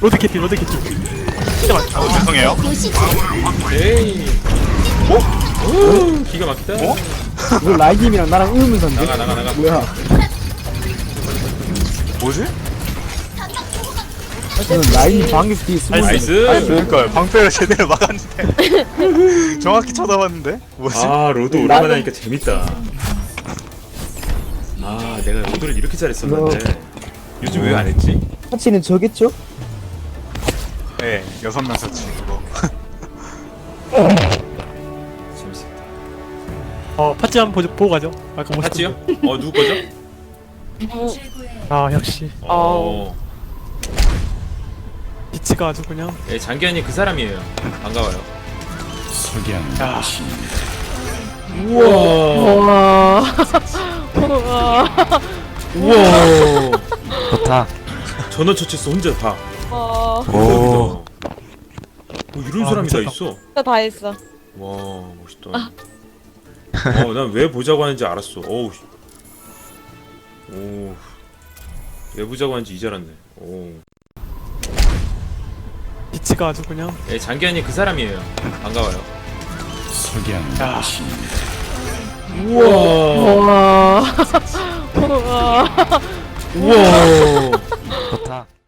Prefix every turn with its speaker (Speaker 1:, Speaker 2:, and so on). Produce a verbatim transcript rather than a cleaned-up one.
Speaker 1: 로드 캐피 로드 캐피 진짜 많다.
Speaker 2: 어, 죄송해요.
Speaker 3: 에이.
Speaker 2: 어?
Speaker 3: 오, 기가 막히다.
Speaker 2: 어?
Speaker 4: 이거 라이님이랑 나랑 의문사인데?
Speaker 3: 나가 나가 나가.
Speaker 4: 뭐야?
Speaker 2: 뭐지?
Speaker 4: 저는 라이님 방귀 뒤에 숨어
Speaker 3: 나이스.
Speaker 2: 그러니까요. 방패를 제대로 막았는데 정확히 쳐다봤는데 뭐지?
Speaker 3: 아 로드 오랜만에 하니까 재밌다. 아 내가 로드를 이렇게 잘했었는데 요즘 왜 안 했지?
Speaker 4: 파치는 저겠죠?
Speaker 2: 네, 여섯 명 서치 그거.
Speaker 3: 재밌었다.
Speaker 1: 어 파츠 한번 보고, 보고 가죠. 아까 못
Speaker 3: 봤지요? 어 누구 거죠?
Speaker 1: 아 역시
Speaker 3: 어.
Speaker 1: 비치가 아주 그냥.
Speaker 3: 예, 장기현이 그 사람이에요. 반가워요.
Speaker 1: 야
Speaker 3: 우와.
Speaker 5: 우와. 우와.
Speaker 3: 우와.
Speaker 6: 좋다.
Speaker 3: 전원 처치했어 혼자 다.
Speaker 5: 와.
Speaker 3: 오. 뭐 이런
Speaker 1: 아,
Speaker 3: 사람이 다
Speaker 1: 미쳤다.
Speaker 3: 있어.
Speaker 5: 진짜 다 했어.
Speaker 3: 와 멋있다. 어, 난 왜 보자고 하는지 알았어. 어우. 씨. 오. 왜 보자고 하는지 이제 알았네. 오.
Speaker 1: 비치가 아주 그냥.
Speaker 3: 예, 장기현이 그 사람이에요. 반가워요.
Speaker 1: 야
Speaker 3: 우와.
Speaker 5: 우와. 우와.
Speaker 3: 우와.
Speaker 6: 좋다.